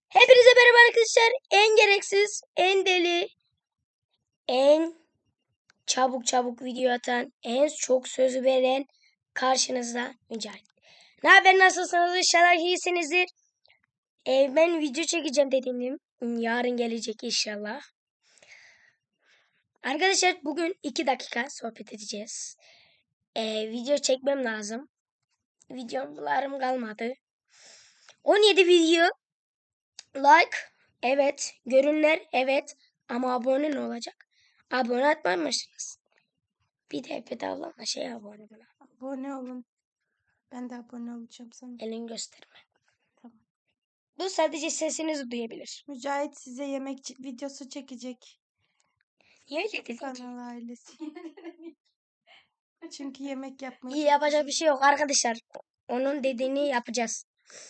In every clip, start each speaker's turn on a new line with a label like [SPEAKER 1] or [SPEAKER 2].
[SPEAKER 1] Hepinize merhaba arkadaşlar. En gereksiz, en deli, en çabuk video atan, en çok sözü veren karşınızda Mücahit. Ne haber, nasılsınız? İnşallah iyisinizdir. Ben video çekeceğim dediğim yarın gelecek inşallah. Arkadaşlar bugün 2 dakika sohbet edeceğiz. Video çekmem lazım. Videolarım kalmadı. 17 video like, evet. Görünler, evet. Ama abone ne olacak? Abone atmamışsınız. Bir de bedava abone bana.
[SPEAKER 2] Abone olun. Ben de abone olacağım sana.
[SPEAKER 1] Elini gösterme.
[SPEAKER 2] Tamam.
[SPEAKER 1] Bu sadece sesinizi duyabilir.
[SPEAKER 2] Mücahit size yemek videosu çekecek.
[SPEAKER 1] Niye öyle dedin ki?
[SPEAKER 2] Kanal ailesi. Çünkü yemek yapmayı
[SPEAKER 1] İyi,
[SPEAKER 2] çok
[SPEAKER 1] yapacak bir şey yok arkadaşlar. Onun dediğini yapacağız.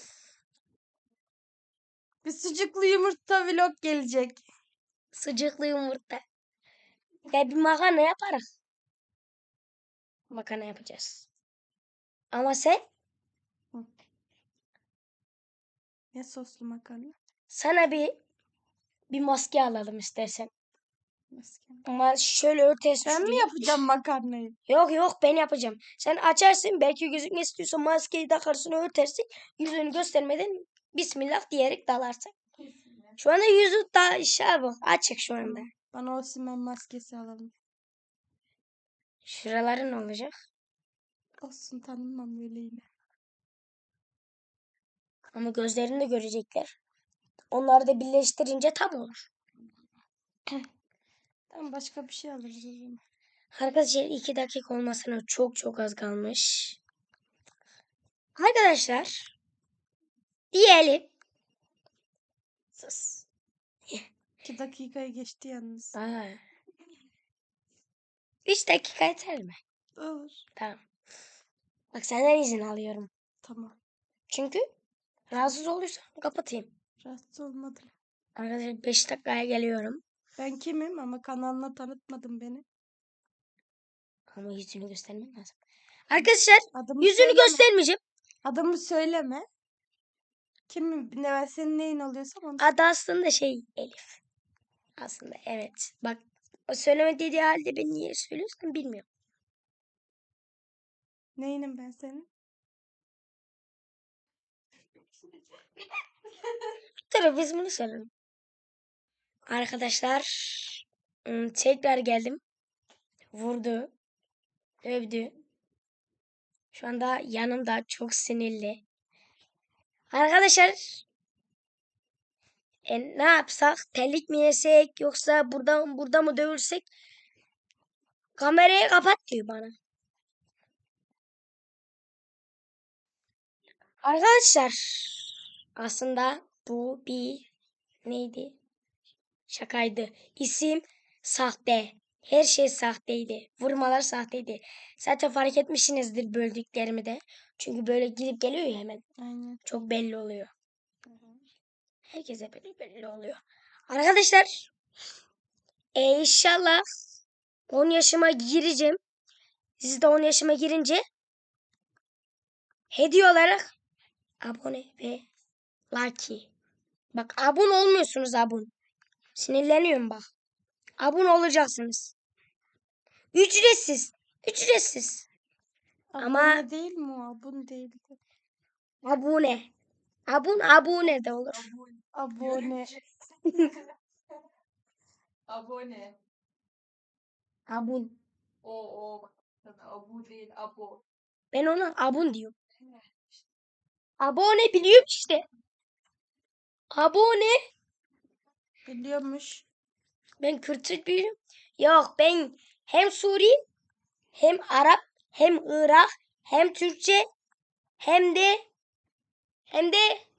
[SPEAKER 2] Bir sucuklu yumurta vlog gelecek.
[SPEAKER 1] Sıcaklı yumurta. Ya bir makarna yaparız. Makarna yapacağız. Ama sen
[SPEAKER 2] Ne soslu makarna?
[SPEAKER 1] sana bir maske alalım istersen.
[SPEAKER 2] Maske.
[SPEAKER 1] Ama şöyle örtesi
[SPEAKER 2] Ben mi
[SPEAKER 1] şuraya.
[SPEAKER 2] yapacağım makarnayı?
[SPEAKER 1] Yok ben yapacağım. Sen açarsın, belki gözükmek istiyorsan maskeyi takarsın, örtersin. Yüzünü göstermeden Bismillah diyerek dalarsın. Şu anda yüzü da bak açık şu anda.
[SPEAKER 2] Bana Osimhen maskesi alalım.
[SPEAKER 1] Şuraları ne olacak?
[SPEAKER 2] Olsun, tanımam böyle yine.
[SPEAKER 1] Ama gözlerini de görecekler. Onları da birleştirince tam olur.
[SPEAKER 2] Tamam, başka bir şey alırız o zaman.
[SPEAKER 1] Arkadaşlar 2 dakika olmasına çok az kalmış. Arkadaşlar diyelim. Sus.
[SPEAKER 2] 2 dakikayı geçti yalnız.
[SPEAKER 1] 3 dakika yeter mi?
[SPEAKER 2] Olur.
[SPEAKER 1] Tamam. Bak senden izin alıyorum.
[SPEAKER 2] Tamam.
[SPEAKER 1] Çünkü rahatsız olursan kapatayım.
[SPEAKER 2] Rahatsız olmadım.
[SPEAKER 1] Arkadaşlar 5 dakikaya geliyorum.
[SPEAKER 2] Ben kimim ama kanalına tanıtmadın beni.
[SPEAKER 1] Ama yüzünü göstermem lazım. Arkadaşlar
[SPEAKER 2] Adımı
[SPEAKER 1] yüzünü
[SPEAKER 2] söyleme.
[SPEAKER 1] göstermeyeceğim.
[SPEAKER 2] Adımı söyleme. Kimim? Ne, ben senin neyin oluyorsam onu.
[SPEAKER 1] Adı aslında Elif. Aslında evet. Bak o söyleme dediği halde ben niye söylüyorsun bilmiyorum.
[SPEAKER 2] Neyinim ben senin?
[SPEAKER 1] Dur biz bunu söyleyelim. Arkadaşlar tekrar geldim. Vurdu. Dövdü. Şu anda yanımda, çok sinirli. Arkadaşlar ne yapsak? Terlik mi yesek yoksa burada mı dövülsek? Kamerayı kapat diyor bana. Arkadaşlar aslında bu bir neydi? Şakaydı. İsim sahte. Her şey sahteydi. Vurmalar sahteydi. Zaten fark etmişsinizdir böldüklerimi de. Çünkü böyle gidip geliyor ya hemen.
[SPEAKER 2] Aynen.
[SPEAKER 1] Çok belli oluyor. Herkese belli oluyor. Arkadaşlar inşallah 10 yaşıma gireceğim. Siz de 10 yaşıma girince hediye olarak abone ve like. Bak abone olmuyorsunuz abone. Sinirleniyorum bak. Abone olacaksınız. Ücretsiz. Ücretsiz.
[SPEAKER 2] Abone değil mi o? Abone değil.
[SPEAKER 1] Abone. Abone de olur.
[SPEAKER 2] Abone.
[SPEAKER 3] Abone.
[SPEAKER 1] Abun.
[SPEAKER 3] O. Abu değil, abo.
[SPEAKER 1] Ben ona abun diyorum. Abone biliyorum işte. Abone.
[SPEAKER 2] Biliyormuş.
[SPEAKER 1] Ben Kürtçe biliyorum. Yok ben hem Suri hem Arap hem Irak hem Türkçe hem de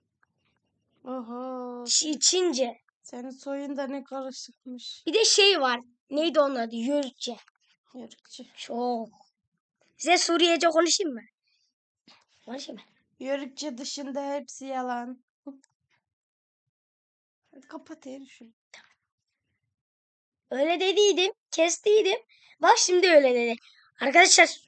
[SPEAKER 2] Oho.
[SPEAKER 1] Çince.
[SPEAKER 2] Senin soyun da ne karışıkmış.
[SPEAKER 1] Bir de var. Neydi onun adı? Yörükçe.
[SPEAKER 2] Yörükçü.
[SPEAKER 1] Çok. Size Suriyece konuşayım mı? Konuşayım mı?
[SPEAKER 2] Yörükçe dışında hepsi yalan. Hadi kapat şunu.
[SPEAKER 1] Öyle dediydim. Kestiydim. Bak şimdi öyle dedi. Arkadaşlar.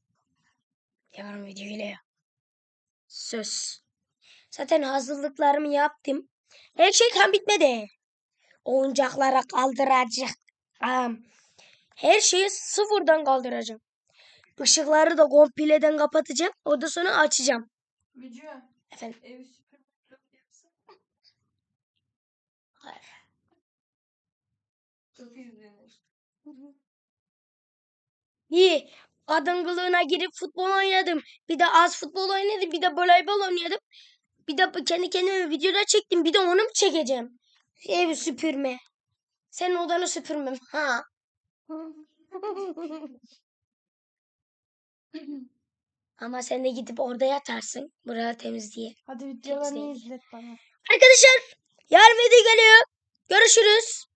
[SPEAKER 1] Yarın video geliyor. Söz. Zaten hazırlıklarımı yaptım. Her şey kan bitmedi. Oyuncaklara kaldıracağım. Her şeyi sıfırdan kaldıracağım. Işıkları da kompleden kapatacağım. Ondan sonra açacağım.
[SPEAKER 3] Bücü.
[SPEAKER 1] Efendim.
[SPEAKER 3] Evi süpürme vlog yapsın.
[SPEAKER 1] Hayır.
[SPEAKER 3] Çok izlenir.
[SPEAKER 1] İyi. Kadın kılığına girip futbol oynadım. Bir de az futbol oynadım. Bir de voleybol oynadım. Bir de kendi kendime videoda çektim. Bir de onu mu çekeceğim? Evi süpürme. Senin odanı süpürmem. Ha. Ama sen de gidip orada yatarsın. Burada temiz diye.
[SPEAKER 2] Hadi videolarını
[SPEAKER 1] Temizleyin.
[SPEAKER 2] izlet bana.
[SPEAKER 1] Arkadaşlar yarın video geliyor. Görüşürüz.